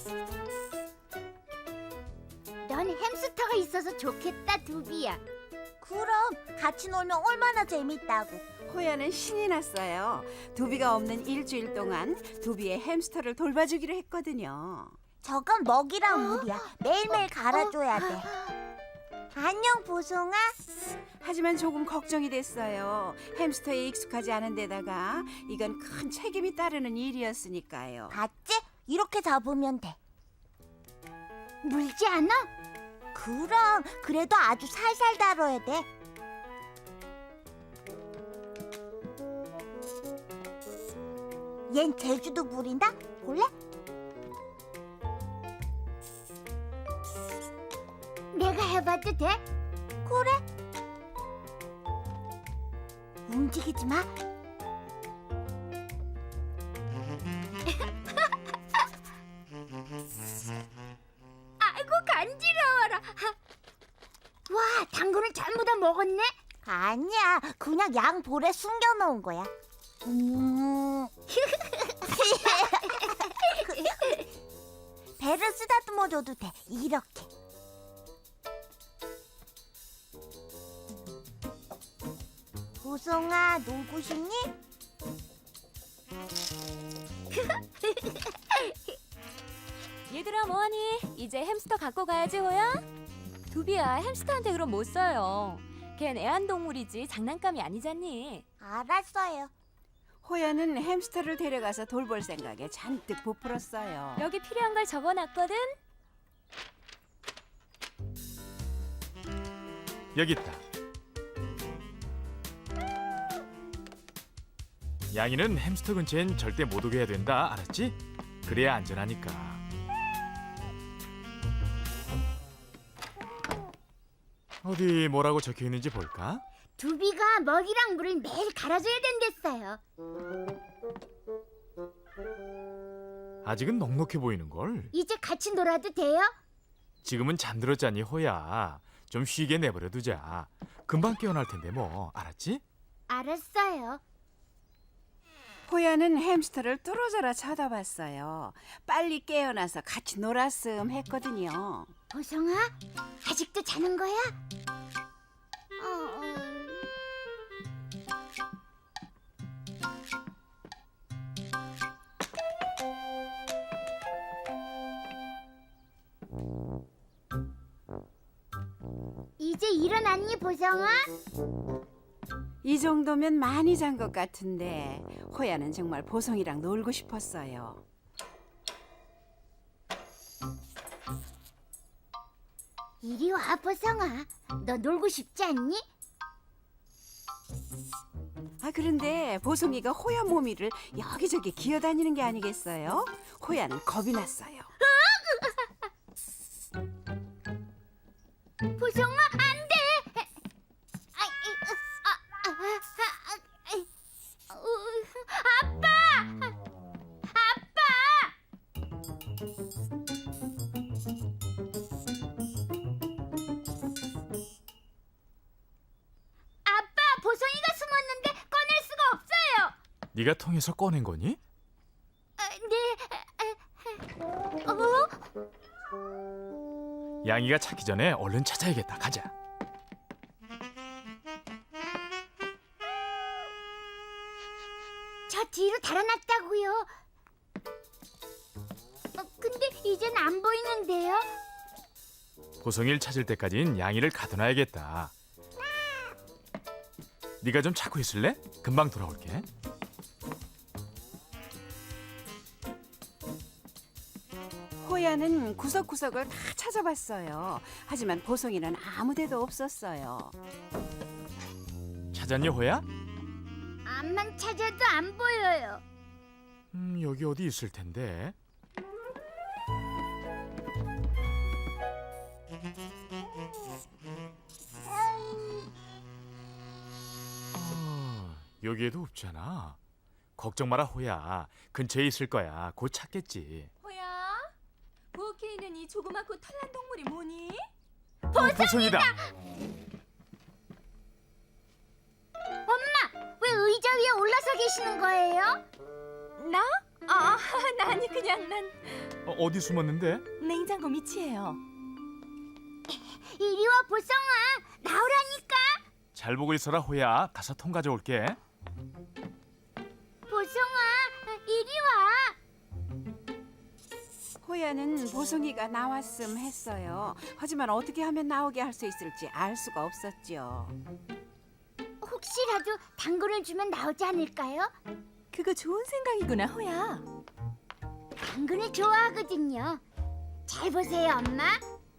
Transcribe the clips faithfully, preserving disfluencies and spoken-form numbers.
넌 햄스터가 있어서 좋겠다, 두비야. 그럼 같이 놀면 얼마나 재밌다고. 호야는 신이 났어요. 두비가 없는 일주일 동안 두비의 햄스터를 돌봐주기로 했거든요. 저건 먹이랑 물이야. 매일매일 갈아줘야 돼. 안녕, 보송아. 하지만 조금 걱정이 됐어요. 햄스터에 익숙하지 않은 데다가 이건 큰 책임이 따르는 일이었으니까요. 봤지? 이렇게 잡으면 돼. 물지 않아? 그럼 그래도 아주 살살 다뤄야 돼. 얜 제주도 물인다. 볼래? 내가 해봐도 돼? 그래. 움직이지 마. 아이고, 간지러워라. 와, 당근을 전부 다 먹었네? 아니야, 그냥 양 볼에 숨겨놓은 거야. 음. 배를 쓰다듬어줘도 돼. 이렇게. 보송아, 놀고 싶니? 얘들아 뭐하니? 이제 햄스터 갖고 가야지 호야? 두비야 햄스터한테 그럼 못 써요. 걘 애완동물이지 장난감이 아니잖니. 알았어요. 호야는 햄스터를 데려가서 돌볼 생각에 잔뜩 부풀었어요. 여기 필요한 걸 적어놨거든. 여기 있다. 양이는 햄스터 근처엔 절대 못 오게 해야 된다. 알았지? 그래야 안전하니까. 어디 뭐라고 적혀 있는지 볼까? 두비가 먹이랑 물을 매일 갈아줘야 된댔어요. 아직은 넉넉해 보이는 걸. 이제 같이 놀아도 돼요? 지금은 잠들었잖니 호야. 좀 쉬게 내버려 두자. 금방 깨어날 텐데 뭐. 알았지? 알았어요. 호야는 햄스터를 뚫어져라 쳐다봤어요. 빨리 깨어나서 같이 놀았음 했거든요. 보성아, 아직도 자는 거야? 어, 어. 이제 일어났니, 보성아? 이 정도면 많이 잔 것 같은데 호야는 정말 보성이랑 놀고 싶었어요. 이리 와, 보성아. 너 놀고 싶지 않니? 아 그런데 보성이가 호야 몸위를 여기저기 기어다니는 게 아니겠어요? 호야는 겁이 났어요. 보성아, 안 돼! 아, 이, 아, 아, 아, 아, 어, 아빠! 아빠! 아빠, 보성이가 숨었는데 꺼낼 수가 없어요. 네가 통해서 꺼낸 거니? 아, 네. 어? 양이가 찾기 전에 얼른 찾아야겠다. 가자. 저 뒤로 달아났다고요. 어, 근데 이젠 안 보이는데요? 보성이를 찾을 때까진 양이를 가둬놔야겠다. 네가 좀 찾고 있을래? 금방 돌아올게. 호야는 구석구석을 다 찾아봤어요. 하지만 보성이는 아무데도 없었어요. 찾았니 호야? 암만 찾아도 안 보여요. 음, 여기 어디 있을 텐데. 어, 여기에도 없잖아. 걱정 마라 호야. 근처에 있을 거야. 곧 찾겠지. 호야, 부엌에 있는 이 조그맣고 털난 동물이 뭐니? 어, 보성이다. 엄마, 왜 의자 위에 올라서 계시는 거예요? 나? 아, 나 아니 그냥 난 어, 어디 숨었는데? 냉장고 밑이에요. 이리 와 보성아, 나오라니까. 잘 보고 있어라 호야. 가서 통 가져올게. 보성아, 이리 와. 호야는 보송이가 나왔음 했어요. 하지만 어떻게 하면 나오게 할 수 있을지 알 수가 없었죠. 혹시라도 당근을 주면 나오지 않을까요? 그거 좋은 생각이구나, 호야. 당근을 좋아하거든요. 잘 보세요, 엄마.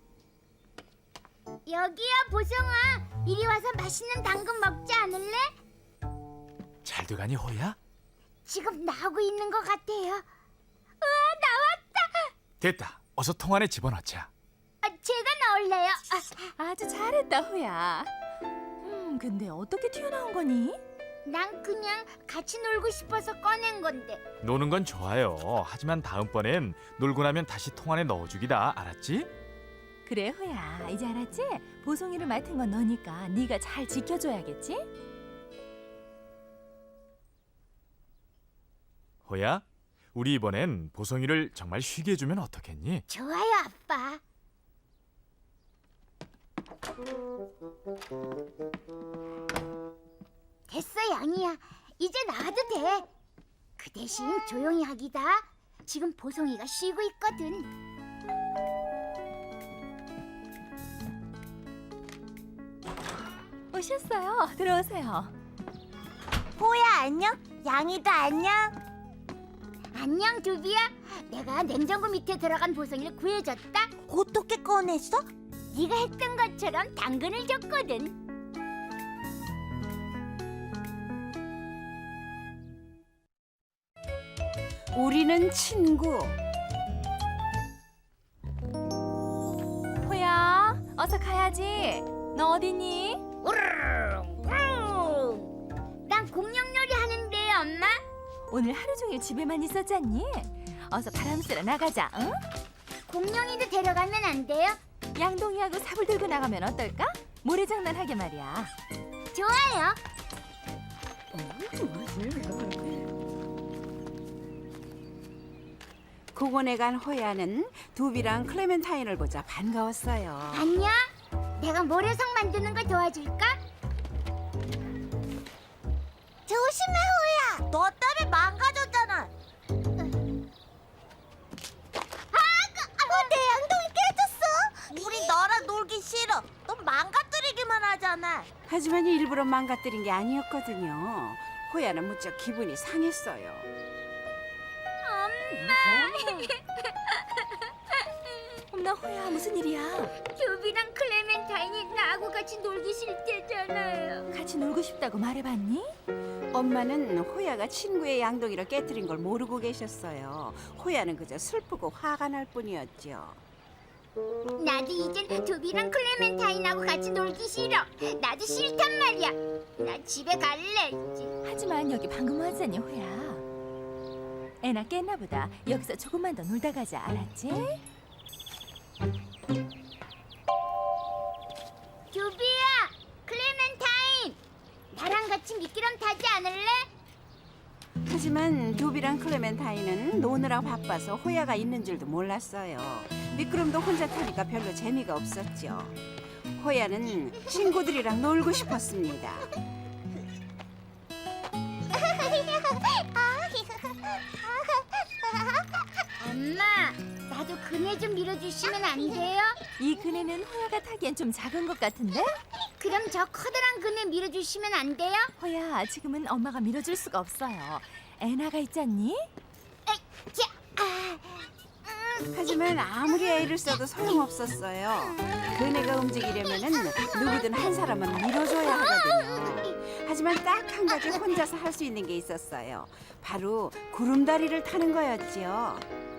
여기야, 보성아. 이리 와서 맛있는 당근 먹지 않을래? 잘 돼가니 호야? 지금 나오고 있는 것 같아요. 우와, 나왔다. 됐다. 어서 통 안에 집어넣자. 아, 제가 나올래요. 아, 아주 잘했다, 호야. 음, 근데 어떻게 튀어나온 거니? 난 그냥 같이 놀고 싶어서 꺼낸 건데. 노는 건 좋아요. 하지만 다음번엔 놀고 나면 다시 통 안에 넣어주기다. 알았지? 그래, 호야. 이제 알았지? 보송이를 맡은 건 너니까 네가 잘 지켜줘야겠지? 호야, 우리 이번엔 보송이를 정말 쉬게 해주면 어떻겠니? 좋아요, 아빠. 됐어, 양이야. 이제 나와도 돼. 그 대신 조용히 하기다. 지금 보송이가 쉬고 있거든. 오셨어요. 들어오세요. 호야 안녕? 양이도 안녕? 안녕, 두비야. 내가 냉장고 밑에 들어간 보송이를 구해줬다. 어떻게 꺼냈어? 네가 했던 것처럼 당근을 줬거든. 우리는 친구. 호야, 어서 가야지. 너 어디니? 난 공룡놀이 하는데, 엄마. 오늘 하루 종일 집에만 있었잖니? 어서 바람 쐬러 나가자, 응? 공룡이도 데려가면 안 돼요? 양동이하고 삽을 들고 나가면 어떨까? 모래장난 하게 말이야. 좋아요. 공원에 간 호야는 두비랑 클레멘타인을 보자 반가웠어요. 안녕. 내가 모래성 만드는 걸 도와줄까? 조심해 호야. 너 때문에 망가졌잖아. 어, 내 양동이 깨졌어. 우리 너랑 놀기 싫어. 너 망가뜨리기만 하잖아. 하지만 일부러 망가뜨린 게 아니었거든요. 호야는 무척 기분이 상했어요. 엄마, 호야, 무슨 일이야? 듀비랑 클레멘타인이 나하고 같이 놀기 싫대잖아요. 같이 놀고 싶다고 말해봤니? 엄마는 호야가 친구의 양동이를 깨뜨린 걸 모르고 계셨어요. 호야는 그저 슬프고 화가 날 뿐이었죠. 나도 이젠 듀비랑 클레멘타인하고 같이 놀기 싫어. 나도 싫단 말이야. 나 집에 갈래. 이제. 하지만 여기 방금 왔잖니, 호야. 애나 깼나 보다. 여기서 조금만 더 놀다 가자, 알았지? 듀비야, 클레멘타인, 나랑 같이 미끄럼 타지 않을래? 하지만 두비랑 클레멘타인은 노느라 바빠서 호야가 있는 줄도 몰랐어요. 미끄럼도 혼자 타니까 별로 재미가 없었죠. 호야는 친구들이랑 놀고 싶었습니다. 엄마, 나도 그네 좀 밀어주시면 안 돼요? 이 그네는 호야가 타기엔 좀 작은 것 같은데? 그럼 저 커다란 그네 밀어주시면 안 돼요? 호야, 지금은 엄마가 밀어줄 수가 없어요. 애나가 있잖니? 자, 아, 하지만 아무리 애를 써도 소용없었어요. 그네가 움직이려면은 누구든 한 사람은 밀어줘야 하거든요. 하지만 딱 한 가지 혼자서 할 수 있는 게 있었어요. 바로 구름다리를 타는 거였지요.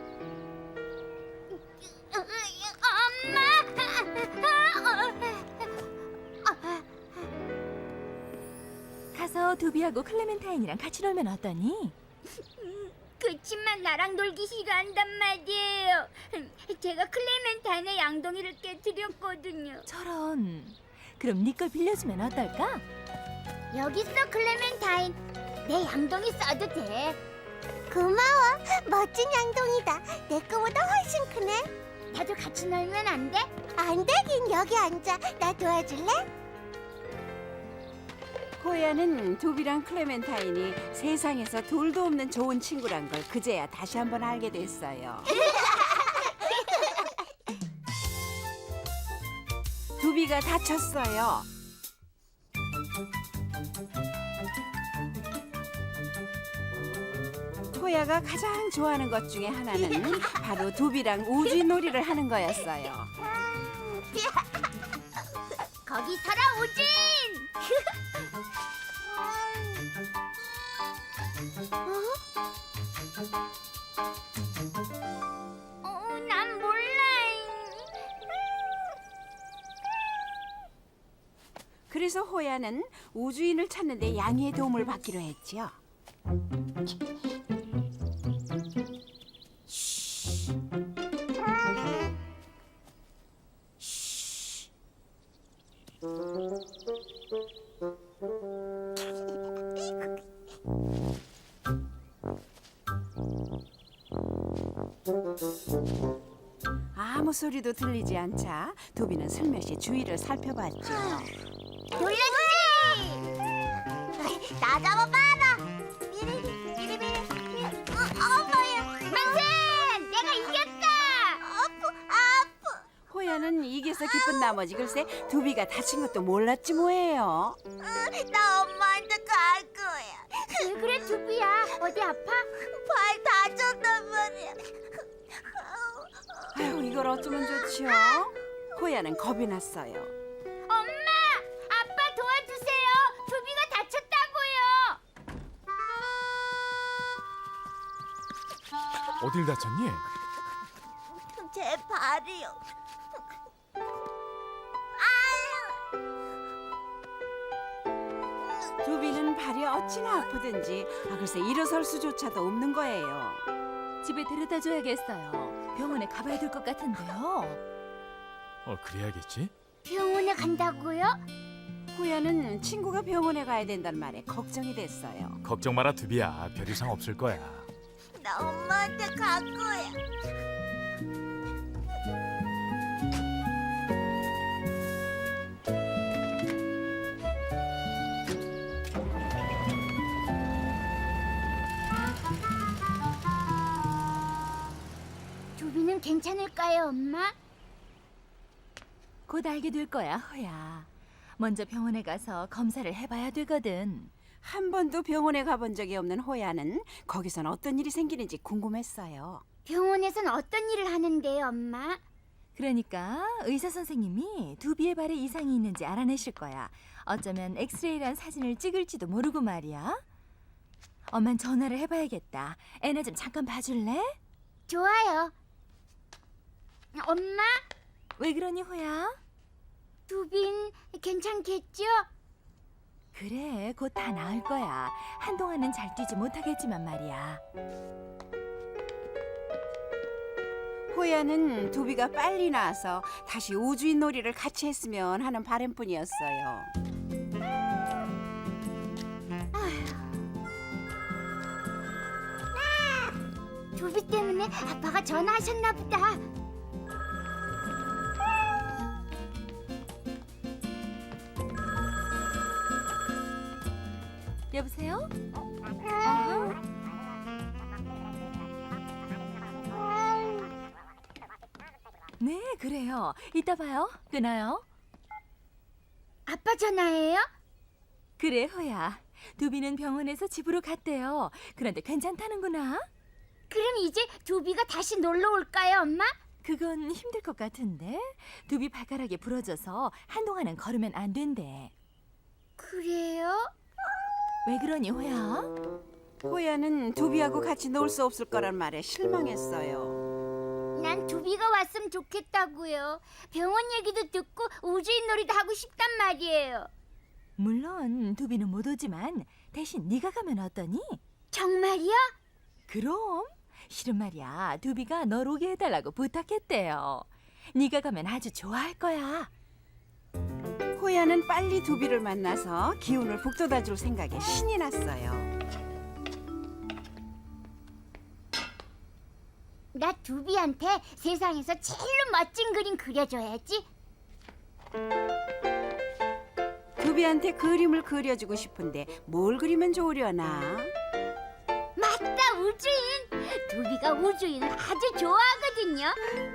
가서 두비하고 클레멘타인이랑 같이 놀면 어떠니? 그치만 나랑 놀기 싫어한단 말이에요. 제가 클레멘타인의 양동이를 깨뜨렸거든요. 저런. 그럼 네 걸 빌려주면 어떨까? 여기 있어, 클레멘타인. 내 양동이 써도 돼. 고마워. 멋진 양동이다. 내 거보다 훨씬 크네. 나도 같이 놀면 안 돼? 안 되긴. 여기 앉아. 나 도와줄래? 호야는 두비랑 클레멘타인이 세상에서 돌도 없는 좋은 친구란 걸 그제야 다시 한번 알게 됐어요. 두비가 다쳤어요. 호야가 가장 좋아하는 것 중에 하나는 바로 두비랑 우주놀이를 하는 거였어요. 거기 서라 우진! 어, 난 몰라. 그래서 호야는 우주인을 찾는데 양이의 도움을 받기로 했죠. 아무 소리도 들리지 않자 두비는 슬며시 주위를 살펴봤죠. 놀라주지! 나 잡아봐라. 미리리 미리미리. 어, 어머야. 만세! 내가 이겼다! 아프 아프. 호야는 이겨서 기쁜 나머지 글쎄 두비가 다친 것도 몰랐지 뭐예요. 어, 나 엄마한테 갈 거야. 왜 그래 두비야? 어디 아파? 발 다쳤단 말이야. 아유 이걸 어쩌면 좋지요? 호야는 겁이 났어요. 엄마! 아빠 도와주세요! 두비가 다쳤다고요! 어딜 다쳤니? 제 발이요. 두비는 발이 어찌나 아프든지 아, 글쎄 일어설 수조차도 없는 거예요. 집에 데려다 줘야겠어요. 병원에 가봐야 될 것 같은데요. 어, 그래야겠지. 병원에 간다고요? 호야는 친구가 병원에 가야 된다는 말에 걱정이 됐어요. 걱정 마라 두비야. 별 이상 없을 거야. 나 엄마한테 갈 거야. 두비는 괜찮을까요, 엄마? 곧 알게 될 거야, 호야. 먼저 병원에 가서 검사를 해봐야 되거든. 한 번도 병원에 가본 적이 없는 호야는 거기선 어떤 일이 생기는지 궁금했어요. 병원에선 어떤 일을 하는데요, 엄마? 그러니까 의사 선생님이 두비의 발에 이상이 있는지 알아내실 거야. 어쩌면 엑스레이란 사진을 찍을지도 모르고 말이야. 엄만 전화를 해봐야겠다. 애나 좀 잠깐 봐줄래? 좋아요. 엄마, 왜 그러니, 호야? 두빈 괜찮겠죠? 그래, 곧 다 나을 거야. 한동안은 잘 뛰지 못하겠지만 말이야. 호야는 두비가 빨리 나와서 다시 우주인 놀이를 같이 했으면 하는 바람뿐이었어요. 두비 때문에 아빠가 전화하셨나 보다. 여보세요? 네, 그래요. 이따 봐요. 끊어요. 아빠 전화예요? 그래, 호야. 두비는 병원에서 집으로 갔대요. 그런데 괜찮다는구나. 그럼 이제 두비가 다시 놀러 올까요, 엄마? 그건 힘들 것 같은데. 두비 발가락이 부러져서 한동안은 걸으면 안 된대. 그래요? 왜 그러니, 호야? 호야는 두비하고 같이 놀 수 없을 거란 말에 실망했어요. 난 두비가 왔으면 좋겠다고요. 병원 얘기도 듣고 우주인 놀이도 하고 싶단 말이에요. 물론 두비는 못 오지만 대신 네가 가면 어떠니? 정말이요? 그럼. 실은 말이야, 두비가 널 오게 해달라고 부탁했대요. 네가 가면 아주 좋아할 거야. 호야는 빨리 두비를 만나서 기운을 북돋아줄 생각에 신이 났어요. 나 두비한테 세상에서 제일로 멋진 그림 그려줘야지. 두비한테 그림을 그려주고 싶은데 뭘 그리면 좋으려나? 맞다, 우주인. 두비가 우주인을 아주 좋아하거든요.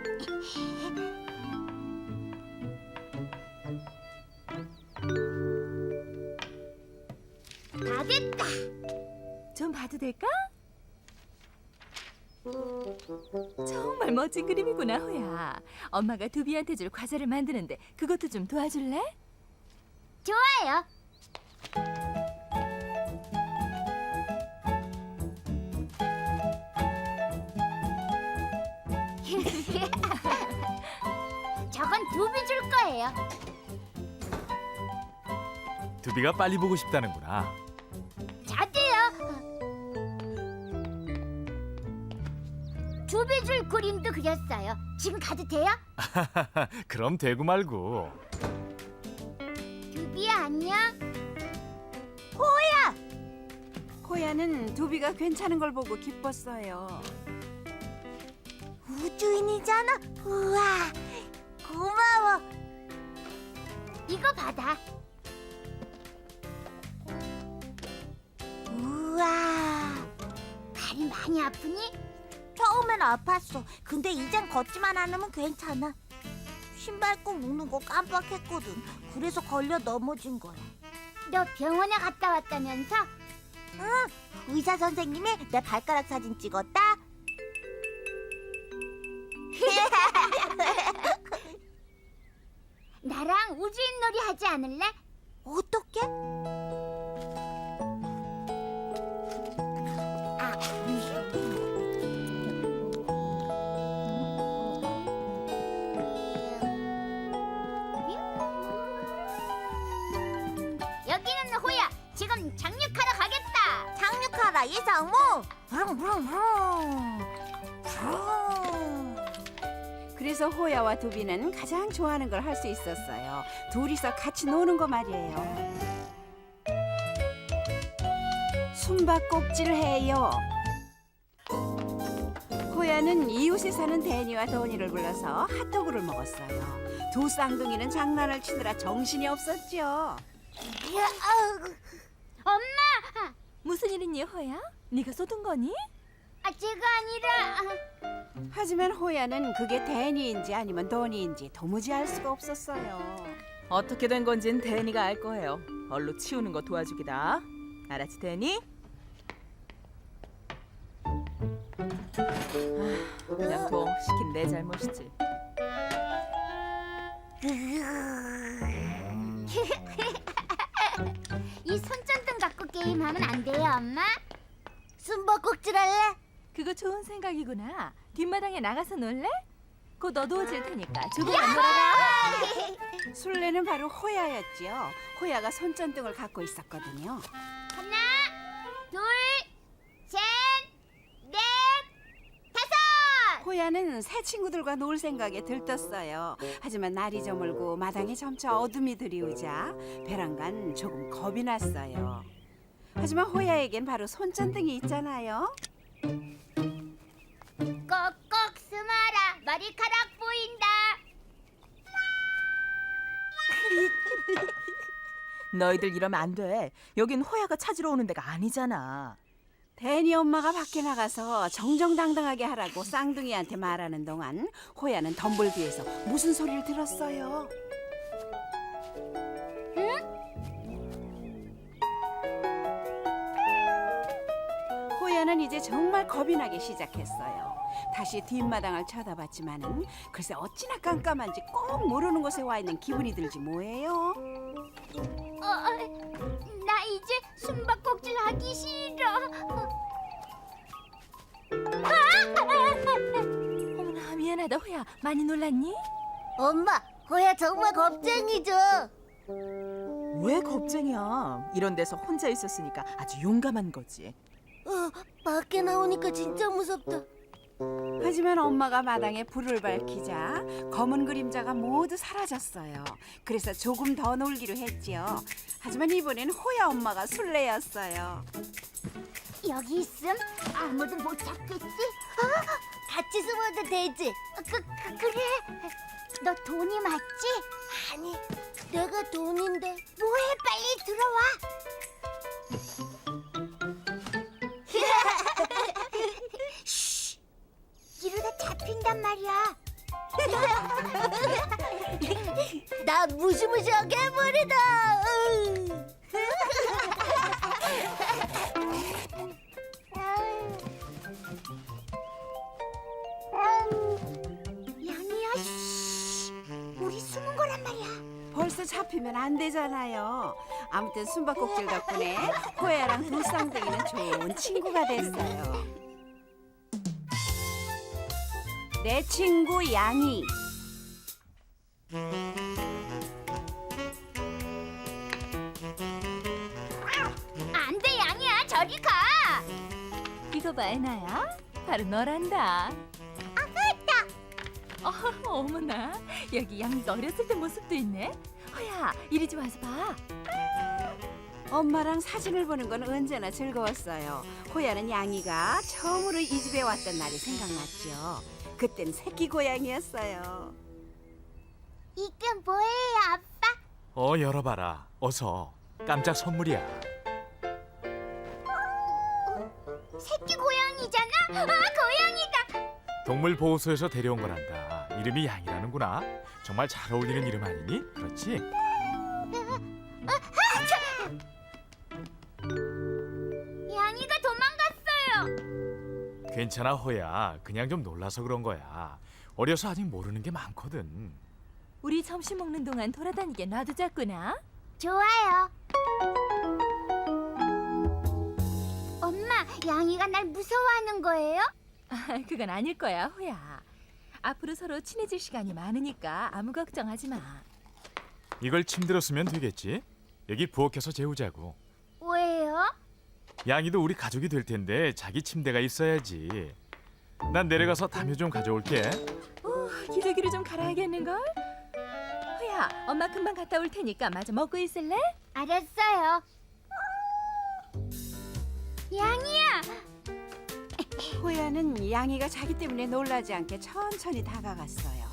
다 됐다. 좀 봐도 될까? 정말 멋진 그림이구나, 호야. 엄마가 두비한테 줄 과자를 만드는데 그것도 좀 도와줄래? 좋아요. 저건 두비 줄 거예요. 두비가 빨리 보고 싶다는구나. 저도요. 두비 줄 그림도 그렸어요. 지금 가도 돼요? 그럼 되고 말고. 두비야, 안녕. 호야는 두비가 괜찮은 걸 보고 기뻤어요. 우주인이잖아. 우와, 고마워. 이거 받아. 우와, 발이 많이 아프니? 처음엔 아팠어. 근데 이젠 걷지만 않으면 괜찮아. 신발 꼭 묶는 거 깜빡했거든. 그래서 걸려 넘어진 거야. 너 병원에 갔다 왔다면서? 응, 의사 선생님이 내 발가락 사진 찍었다. 나랑 우주인 놀이 하지 않을래? 어떻게? 아, 여기는 호야. 지금 착륙하러 가겠다. 착륙하라 이상무. 브릉브릉브릉. 브릉. 그래서 호야와 두비는 가장 좋아하는 걸 할 수 있었어요. 둘이서 같이 노는 거 말이에요. 숨바꼭질 해요. 호야는 이웃에 사는 데니와 도니를 불러서 핫도그를 먹었어요. 두 쌍둥이는 장난을 치느라 정신이 없었죠. 야, 아우. 엄마! 무슨 일이니, 호야? 네가 쏟은 거니? 아, 제가 아니라... 하지만 호야는 그게 데니인지 아니면 도니인지 도무지 알 수가 없었어요. 어떻게 된 건진 데니가 알 거예요. 얼로 치우는 거 도와주기다. 알았지, 데니? 아, 그냥 둬. 시킨 내 잘못이지. 이 손전등 갖고 게임하면 안 돼요, 엄마? 숨바꼭질 할래? 그거 좋은 생각이구나. 뒷마당에 나가서 놀래? 곧 어두워질 테니까 조금만 놀아라. 술래는 바로 호야였지요. 호야가 손전등을 갖고 있었거든요. 하나, 둘, 셋, 넷, 다섯! 호야는 새 친구들과 놀 생각에 들떴어요. 하지만 날이 저물고 마당에 점차 어둠이 들이우자 베란간 조금 겁이 났어요. 하지만 호야에겐 바로 손전등이 있잖아요. 꼭꼭 숨어라. 머리카락 보인다. 너희들 이러면 안 돼. 여긴 호야가 찾으러 오는 데가 아니잖아. 데니 엄마가 밖에 나가서 정정당당하게 하라고 쌍둥이한테 말하는 동안 호야는 덤불 뒤에서 무슨 소리를 들었어요. 호야는 이제 정말 겁이 나기 시작했어요. 다시 뒷마당을 쳐다봤지만은 글쎄 어찌나 깜깜한지 꼭 모르는 곳에 와 있는 기분이 들지 뭐예요. 어, 나 이제 숨바꼭질 하기 싫어. 어머나, 미안하다, 호야. 많이 놀랐니? 엄마, 호야 정말 겁쟁이죠. 왜 겁쟁이야? 이런 데서 혼자 있었으니까 아주 용감한 거지. 어, 밖에 나오니까 진짜 무섭다. 하지만 엄마가 마당에 불을 밝히자 검은 그림자가 모두 사라졌어요. 그래서 조금 더 놀기로 했지요. 하지만 이번엔 호야 엄마가 술래였어요. 여기 있음 아무도 못 찾겠지? 같이 숨어 가도 되지? 그, 그 그래? 너 돈이 맞지? 아니, 내가 돈인데. 뭐해 빨리 들어와. 쉬, 이러다 잡힌단 말이야. 나 무시무시하게 해버리다. 양이야, 쉬, 우리 숨은 거란 말이야. 벌써 잡히면 안 되잖아요. 아무튼 숨바꼭질 덕분에 호야랑 두 쌍둥이는 좋은 친구가 됐어요. 내 친구 양이. 안 돼, 양이야, 저리 가. 이거 봐, 애나야. 바로 너란다. 아가다. 어, 어머나. 여기 양이가 어렸을 때 모습도 있네. 허야, 이리 좀 와서 봐. 엄마랑 사진을 보는 건 언제나 즐거웠어요. 호야는 양이가 처음으로 이 집에 왔던 날이 생각났죠. 그땐 새끼 고양이였어요. 이게 뭐예요, 아빠? 어, 열어봐라. 어서. 깜짝 선물이야. 새끼 고양이잖아. 아, 고양이다. 동물 보호소에서 데려온 거란다. 이름이 양이라는구나. 정말 잘 어울리는 이름 아니니? 그렇지? 양이가 도망갔어요. 괜찮아, 호야. 그냥 좀 놀라서 그런 거야. 어려서 아직 모르는 게 많거든. 우리 점심 먹는 동안 돌아다니게 놔두자꾸나. 좋아요. 엄마, 양이가 날 무서워하는 거예요? 아, 그건 아닐 거야, 호야. 앞으로 서로 친해질 시간이 많으니까 아무 걱정하지 마. 이걸 침대로 쓰면 되겠지? 여기 부엌에서 재우자고. 왜요? 양이도 우리 가족이 될 텐데 자기 침대가 있어야지. 난 내려가서 담요 좀 가져올게. 오, 기저귀를 좀 갈아야겠는걸? 호야, 엄마 금방 갔다 올 테니까 마저 먹고 있을래? 알았어요. 양이야. 호야는 양이가 자기 때문에 놀라지 않게 천천히 다가갔어요.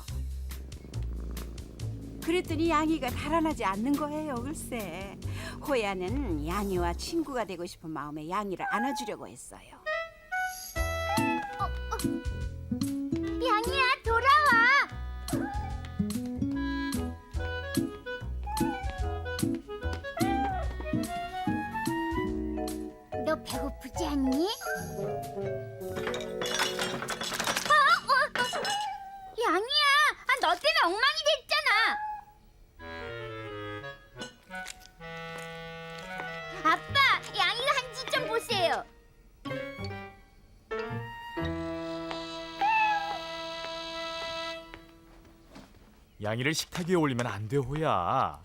그랬더니 양이가 달아나지 않는 거예요, 글쎄. 호야는 양이와 친구가 되고 싶은 마음에 양이를 안아주려고 했어요. 양이야, 돌아와. 너 배고프지 않니? 어, 어, 어. 양이야, 아, 너 때문에 엉망이 됐잖아. 아빠, 양이가 한 짓 좀 보세요. 양이를 식탁 위에 올리면 안 돼, 호야.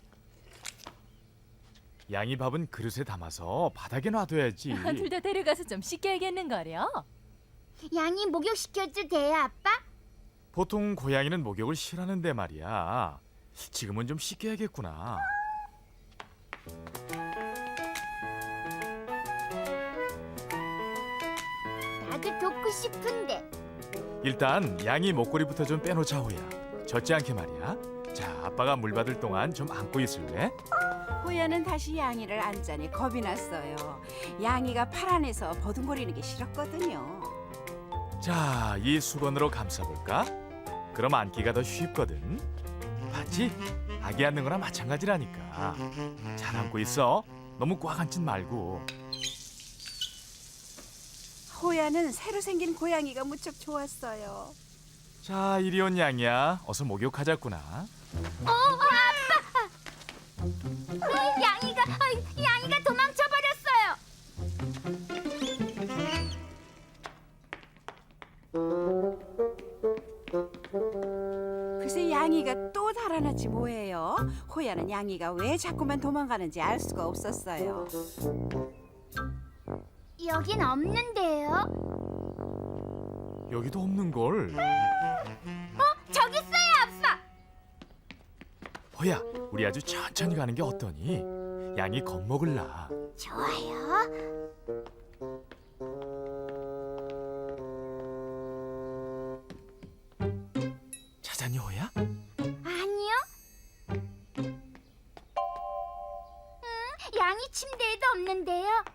양이 밥은 그릇에 담아서 바닥에 놔둬야지. 둘 다 데려가서 좀 씻겨야겠는거려. 양이 목욕시켜도 돼요, 아빠? 보통 고양이는 목욕을 싫어하는데 말이야. 지금은 좀 씻겨야겠구나. 나도 돕고 싶은데. 일단 양이 목걸이부터 좀 빼놓자, 호야. 젖지 않게 말이야. 자, 아빠가 물 받을 동안 좀 안고 있을래? 호야는 다시 양이를 안자니 겁이 났어요. 양이가 팔 안에서 버둥거리는 게 싫었거든요. 자, 이 수건으로 감싸볼까? 그럼 안기가 더 쉽거든. 봤지? 아기 안는 거나 마찬가지라니까. 잘 안고 있어. 너무 꽉 앉지 말고. 호야는 새로 생긴 고양이가 무척 좋았어요. 자, 이리 온 양이야. 어서 목욕하자꾸나. 어, 아빠! 아, 양이가, 아, 양이가 도망쳐 버렸어요. 글쎄 양이가 또 달아났지 뭐예요. 호야는 양이가 왜 자꾸만 도망가는지 알 수가 없었어요. 여긴 없는데요. 여기도 없는 걸. 어, 저기 있어요, 아빠. 호야, 우리 아주 천천히 가는 게 어떠니? 양이 겁먹을라. 좋아요. 괜찮니 호야? 아니요. 음, 양이 침대에도 없는데요.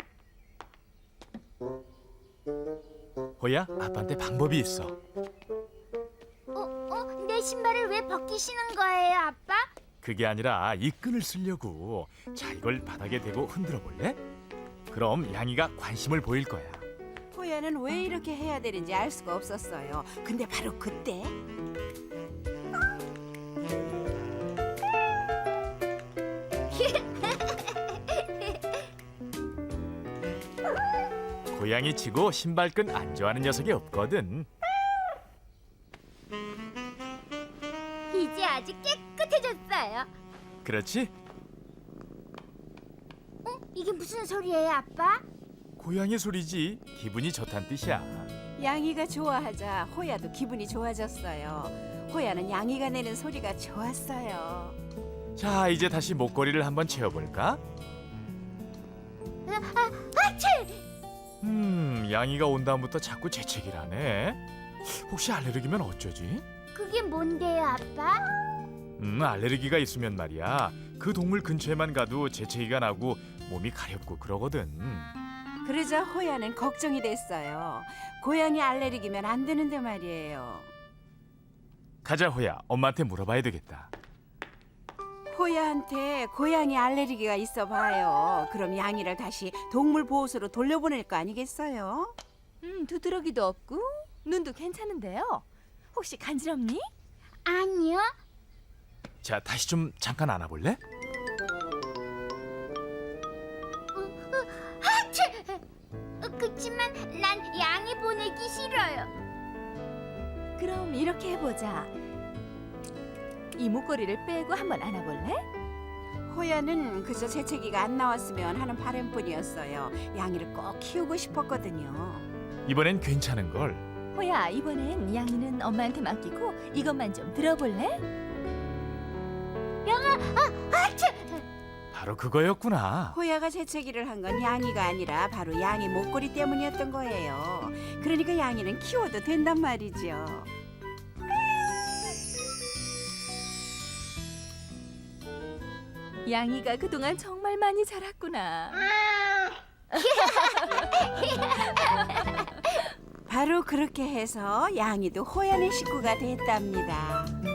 호야, 아빠한테 방법이 있어. 어, 어, 내 신발을 왜 벗기시는 거예요, 아빠? 그게 아니라 이 끈을 쓰려고. 자, 이걸 바닥에 대고 흔들어 볼래? 그럼 양이가 관심을 보일 거야. 호야는 왜 이렇게 해야 되는지 알 수가 없었어요. 근데 바로 그때 고양이 치고 신발끈 안 좋아하는 녀석이 없거든. 이제 아주 깨끗해졌어요. 그렇지? 어? 이게 무슨 소리예요, 아빠? 고양이 소리지. 기분이 좋단 뜻이야. 양이가 좋아하자 호야도 기분이 좋아졌어요. 호야는 양이가 내는 소리가 좋았어요. 자, 이제 다시 목걸이를 한번 채워볼까? 아, 아, 아치! 음, 양이가 온 다음부터 자꾸 재채기를 하네. 혹시 알레르기면 어쩌지? 그게 뭔데요, 아빠? 음, 알레르기가 있으면 말이야. 그 동물 근처에만 가도 재채기가 나고 몸이 가렵고 그러거든. 그러자 호야는 걱정이 됐어요. 고양이 알레르기면 안 되는데 말이에요. 가자 호야, 엄마한테 물어봐야 되겠다. 호야한테 고양이 알레르기가 있어 봐요. 그럼 양이를 다시 동물 보호소로 돌려보낼 거 아니겠어요? 음, 두드러기도 없고 눈도 괜찮은데요. 혹시 간지럽니? 아니요. 자, 다시 좀 잠깐 안아볼래? 아치! 어, 그치만 난 양이 보내기 싫어요. 그럼 이렇게 해보자. 이 목걸이를 빼고 한번 안아볼래? 호야는 그저 재채기가 안 나왔으면 하는 바람뿐이었어요. 양이를 꼭 키우고 싶었거든요. 이번엔 괜찮은 걸. 호야, 이번엔 양이는 엄마한테 맡기고 이것만 좀 들어볼래? 아치! 바로 그거였구나. 호야가 재채기를 한 건 양이가 아니라 바로 양이 목걸이 때문이었던 거예요. 그러니까 양이는 키워도 된단 말이죠. 양이가 그동안 정말 많이 자랐구나. 바로 그렇게 해서 양이도 호야의 식구가 됐답니다.